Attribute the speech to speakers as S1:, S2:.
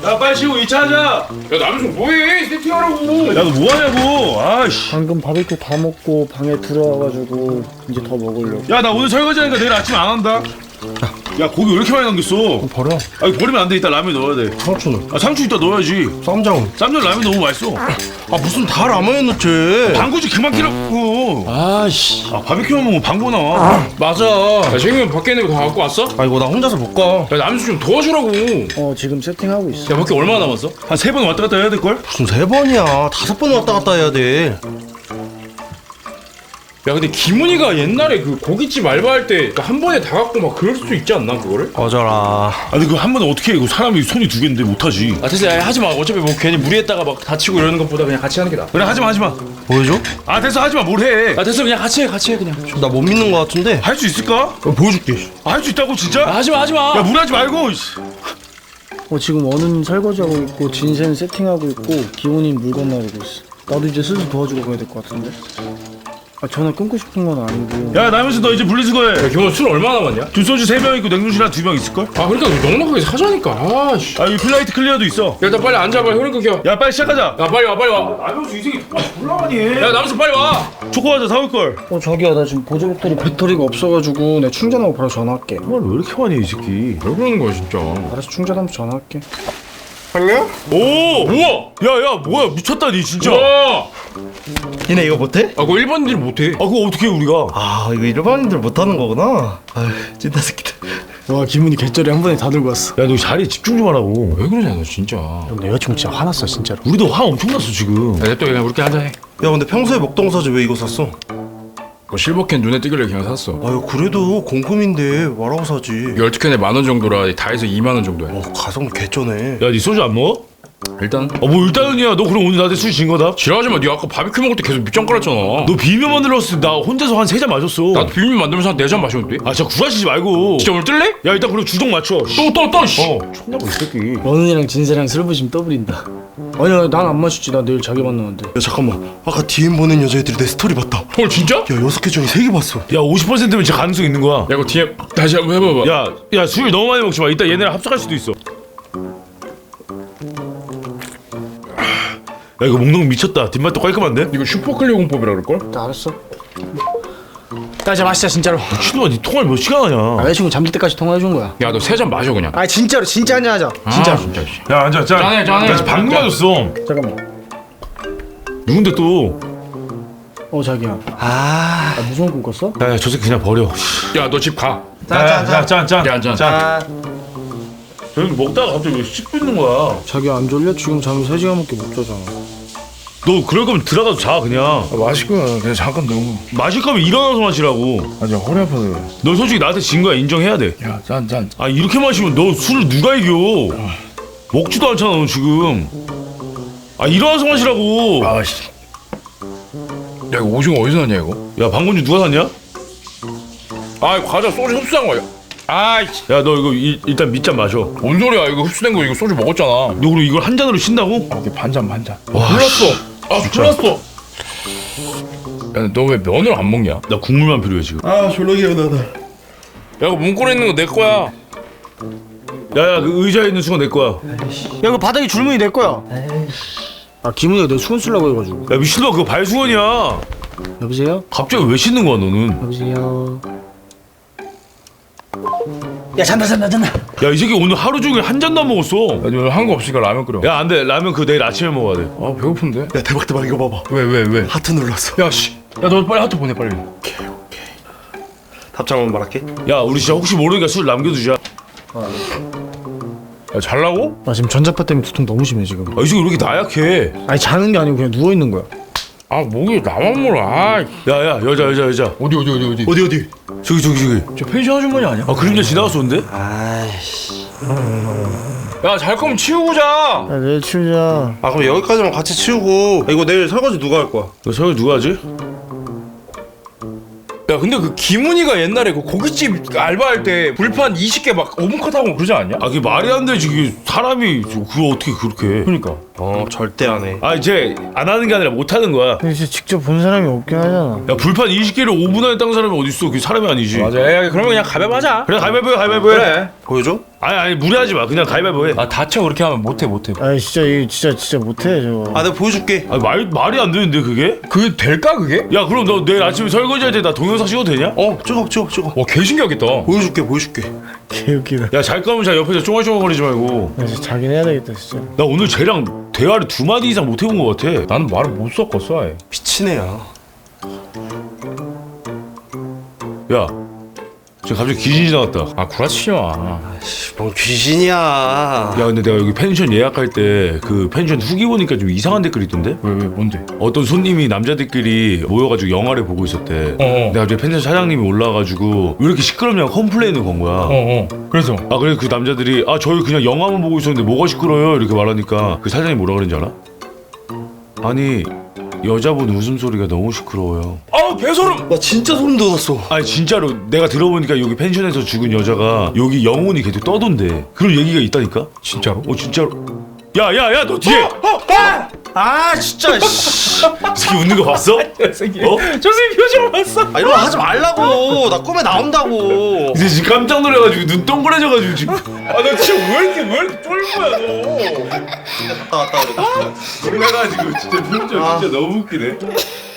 S1: 야 빨리 쉬고 2차 하자.
S2: 야 남순 뭐해? 세팅하라고.
S1: 야 너 뭐하냐고. 아이씨.
S3: 방금 바베큐 다 먹고 방에 들어와가지고 이제 더 먹으려고.
S1: 야 나 오늘 설거지하니까 내일 아침 안 한다. 야 고기 왜 이렇게 많이 남겼어?
S3: 버려.
S1: 아 이거 버리면 안 돼. 이따 라면 넣어야 돼.
S3: 상추는?
S1: 아 상추 이따 넣어야지.
S3: 쌈장은?
S1: 쌈장 라면 너무 맛있어.
S3: 아 무슨 다 라면에 넣지?
S1: 방구지 그만 끼라고.
S3: 아씨.
S1: 아 바비큐만 먹으면 방구 나와.
S3: 맞아.
S2: 야 재경이 밖에 있는 거 다 갖고 왔어?
S3: 아 이거 나 혼자서 못 가.
S2: 야 남순 좀 도와주라고.
S3: 지금 세팅하고 있어.
S2: 야 밖에 얼마나 남았어?
S1: 한 3번 왔다 갔다 해야 될걸?
S3: 무슨 3번이야. 5번 왔다 갔다 해야 돼.
S2: 야 근데 김은희가 옛날에 그 고깃집 알바할 때 한 번에 다 갖고 막 그럴 수 있지 않나 그거를?
S3: 맞아라.
S1: 아 근데 그거 한 번에 어떻게 해? 이거 사람이 손이 2개인데 못하지.
S2: 아 됐어 야 하지 마. 어차피 뭐 괜히 무리했다가 막 다치고 이러는 것보다 그냥 같이 하는 게 나아.
S1: 그래 하지마.
S3: 보여줘?
S1: 아 됐어 하지마. 뭘 해.
S2: 아 됐어 그냥 같이 해 그냥.
S3: 나 못 믿는 거 같은데.
S1: 할 수 있을까?
S3: 보여줄게.
S1: 할 수 있다고 진짜?
S2: 아 하지 마.
S1: 야 무리하지 말고.
S3: 지금 원은 설거지하고 있고 진세는 세팅하고 있고 기훈이 물건 나르고 있어. 나도 이제 슬슬 도와주러 가야 될 것 같은데. 전화 끊고 싶은 건 아니고.
S1: 야 나면서 너 이제 분리수거해.
S2: 야 경호 술 얼마나 남았냐?
S1: 두 소주 3명 있고 냉동실 한 2명 있을걸?
S2: 아 그러니까 넉넉하게 사자니까. 아씨.
S1: 아 이 플라이트 클리어도 있어.
S2: 야 일단 빨리 앉아봐. 혈흔 끊겨.
S1: 야 빨리 시작하자.
S2: 야 빨리 와.
S1: 나면서 이 새끼 졸라 많이 해.
S2: 야 남순 빨리 와.
S1: 초코과자 사올걸.
S3: 자기야 나 지금 보조 배터리가 없어가지고 내가 충전하고 바로 전화할게.
S1: 정말 왜 이렇게 많이 해 이 새끼.
S2: 왜 그러는 거야 진짜?
S3: 알아서 충전하면서 전화할게.
S1: 오!
S2: 우와.
S1: 야야 뭐야 미쳤다 니 진짜.
S2: 와.
S3: 니네 이거 못해?
S2: 아 그거 일반인들 못해.
S1: 아 그거 어떻게 해 우리가.
S3: 아 이거 일반인들 못하는 거구나. 아휴 찐따 새끼들. 와 기분이 개쩔이 한 번에 다 들고 왔어.
S1: 야 너 자리에 집중 좀 하라고.
S2: 왜 그러냐 너 진짜.
S3: 내 여자친구 진짜 화났어 진짜로.
S1: 우리도 화 엄청 났어 지금.
S2: 야 냅둬 그냥 우리끼리 한잔 해.
S3: 야 근데 평소에 먹던 사지 왜 이거 샀어?
S2: 그거 실버캔 눈에 띄길래 그냥 샀어.
S3: 아유 그래도 공금인데 뭐라고 사지?
S2: 12캔에 10,000원 정도라 다 해서 20,000원 정도야.
S3: 가성 개쩌네.
S1: 야 니 소주 안 먹어?
S2: 일단
S1: 뭐 일단은이야. 너 그럼 오늘 나한테 술 진 거다?
S2: 지랄하지 마. 네 아까 바비큐 먹을 때 계속 밑장 깔았잖아.
S1: 너 비빔면 만들었을 때 나 혼자서 한 3잔 마셨어.
S2: 나도 비빔면 만들면서 한 4잔 마셨는데?
S1: 아 진짜 구라치지 말고.
S2: 진짜 오늘 뜰래?
S1: 야 일단 그럼 주종 맞춰.
S2: 또 씨.
S1: 촌나고 이 새끼.
S3: 원은이랑 진세랑 술 부심 떠부린다. 아니야 난 안 마시지. 나 내일 자기 만나는데. 야 잠깐만. 아까 DM 보낸 여자애들이 내 스토리 봤다.
S2: 헐 진짜? 야
S3: 야 6개 중에 3개 봤어.
S1: 야 50%면 진짜 가능성 있는 거야.
S2: 이거 DM 다시 한번 해봐봐.
S1: 야 술 너무 많이 먹지 마. 이따 얘네랑 합석할 수도 있어. 야 이거 먹는 거 미쳤다. 뒷맛도 깔끔한데?
S2: 이거 슈퍼클리어 공법이라 그럴걸?
S3: 나 알았어. 나 진짜 마시자 진짜로.
S1: 미친놈아 니 통화를 몇 시간 하냐.
S3: 여자친구 잠들 때까지 통화해준 거야.
S2: 야 너 3잔 마셔 그냥.
S3: 진짜로 진짜 한잔 하자. 진짜.
S2: 진짜 씨.
S1: 야 앉아 짠.
S2: 짠해.
S1: 나 지금 방금
S2: 짠.
S1: 맞았어.
S3: 잠깐만.
S1: 누군데 또.
S3: 자기야. 무서운 꿈 꿨어?
S1: 야 저 새끼 그냥 버려.
S2: 야 너 집 가.
S1: 야 짠.
S2: 야, 짠.
S1: 저기 먹다가 갑자기 왜 씹고 있는 거야.
S3: 자기 안 졸려? 지금 잠이 3시간밖에 못 자잖아.
S1: 너 그럴 거면 들어가서 자 그냥.
S2: 마시고 그냥 잠깐 너무.
S1: 마실 거면 일어나서 마시라고.
S2: 아저 허리 아파서 그래.
S1: 너 솔직히 나한테 진 거야. 인정해야 돼.
S2: 야 짠.
S1: 아 이렇게 마시면 너 술을 누가 이겨. 먹지도 않잖아 너 지금. 일어나서 마시라고.
S2: 아씨. 야 이거 오징어 어디서 났냐 이거?
S1: 야 방건주 누가 샀냐?
S2: 아 과자 소주 흡수한 거야. 아이씨.
S1: 야 너 이거 일단 밑잔 마셔.
S2: 뭔 소리야 이거 흡수된 거 이거 소주 먹었잖아.
S1: 너 그럼 이걸 한 잔으로 쉰다고?
S2: 이게 반잔.
S1: 와,
S2: 몰랐어.
S1: 진짜.
S2: 몰랐어. 야 너 왜 면을 안 먹냐?
S1: 나 국물만 필요해 지금.
S3: 졸라 개운하다.
S2: 야 이거 문고리 있는 거 내 거야.
S1: 야야 그 의자에 있는 수건 내 거야.
S3: 야 이거 바닥에 줄무늬 내 거야. 김은이가 내 수건 쓰려고 해가지고.
S1: 야 미친놈아 그거 발수건이야.
S3: 여보세요?
S1: 갑자기 왜 씻는 거야 너는?
S3: 여보세요? 야 잔다.
S1: 야 이 새끼 오늘 하루 종일 한 잔도 안 먹었어.
S2: 야 너 한 거 없으니까 라면 끓여.
S1: 야 안돼 라면 그거 내일 아침에 먹어야 돼.
S2: 아 배고픈데?
S3: 야 대박 이거 봐봐.
S2: 왜?
S3: 하트 눌렀어.
S2: 야 씨. 야 너 빨리 하트 보내 빨리.
S3: 답장만 말할게.
S1: 야 우리 진짜 혹시 모르니까 술 남겨두자.
S2: 야 잘라고?
S3: 나 지금 전자파 때문에 두통 너무 심해 지금.
S1: 이 새끼 왜 이렇게 나약해?
S3: 자는 게 아니고 그냥 누워 있는 거야.
S2: 아 목이 나만 몰라.
S1: 야야 여자.
S2: 어디?
S3: 어디?
S1: 저기.
S2: 저 펜션 아주머니 아니야?
S1: 그림자 지나갔었는데?
S2: 야 잘 거면 치우고 자.
S3: 야 내일 치우자.
S4: 그럼 여기까지만 같이 치우고 이거 내일 설거지 누가 할 거야?
S1: 너 설거지 누가 하지?
S2: 야 근데 그 김은희가 옛날에 그 고깃집 알바할 때 불판 20개 막 5분 컷하고 그러지 않냐?
S1: 그게 말이 안 되지. 그게 사람이 그거 어떻게 그렇게 해?
S2: 그러니까.
S4: 절대 안 해.
S1: 이제 안 하는 게 아니라 못 하는 거야.
S3: 근데 진짜 직접 본 사람이 없긴 하잖아.
S1: 야 불판 20개를 5분 안에 딴 사람이 어딨어. 그게 사람이 아니지.
S2: 맞아. 야 그러면 그냥 가볍하자.
S1: 그래 가위바위보 해.
S2: 그래.
S4: 보여줘?
S1: 아니 무리하지 마. 그냥 가위바위보 해.
S2: 아 다쳐 그렇게 하면 못해.
S3: 아 진짜 이거 진짜 못해 저거.
S4: 아 내가 보여줄게.
S1: 아니 말이 안 되는데 그게?
S2: 그게 될까 그게?
S1: 야 그럼 너 내일 아침에 설거지할 때 나 동영상 찍어도 되냐?
S4: 찍어.
S2: 와 개신기하겠다.
S4: 보여줄게.
S3: 개웃기다.
S1: 야 잘 거면 자 옆에서 쫑알쫑알거리지 말고.
S3: 나 진짜 자긴 해야 되겠다 진짜.
S1: 나 오늘 쟤랑 대화를 2마디 이상 못 해본 것 같아.
S2: 나는 말을 못 섞었어 아예.
S4: 미친 애야.
S1: 야 지금 갑자기 귀신이 나왔다.
S2: 아 구라치지 마.
S4: 뭔 귀신이야.
S1: 야 근데 내가 여기 펜션 예약할 때 그 펜션 후기 보니까 좀 이상한 댓글이 있던데?
S2: 왜 뭔데?
S1: 어떤 손님이 남자들끼리 모여가지고 영화를 보고 있었대. 내가 갑자기 펜션 사장님이 올라와가지고 왜 이렇게 시끄럽냐고 컴플레인을 건 거야.
S2: 그래서
S1: 아 그래 그 남자들이 아 저희 그냥 영화만 보고 있었는데 뭐가 시끄러요 이렇게 말하니까 그 사장님이 뭐라 그랬는지 알아? 아니 여자분 웃음소리가 너무 시끄러워요.
S2: 아우 개소름.
S4: 나 진짜 소름 돋았어.
S1: 아니 진짜로 내가 들어보니까 여기 펜션에서 죽은 여자가 여기 영혼이 계속 떠돈대. 그런 얘기가 있다니까?
S2: 진짜로?
S1: 진짜로. 야야야 너 뒤에
S4: 아 진짜.
S1: 새끼 웃는 거 봤어?
S2: 저 새끼
S1: 어?
S2: 표정 봤어?
S4: 아 이런 거 하지 말라고. 나 꿈에 나온다고.
S1: 이제 지금 깜짝 놀라가지고 눈 동그래져가지고 지금
S2: 아너 진짜 왜 이렇게 쫄보야 너?
S4: 갔다 왔다 그래.
S1: 놀라가지고 진짜 진짜 너무 웃기네.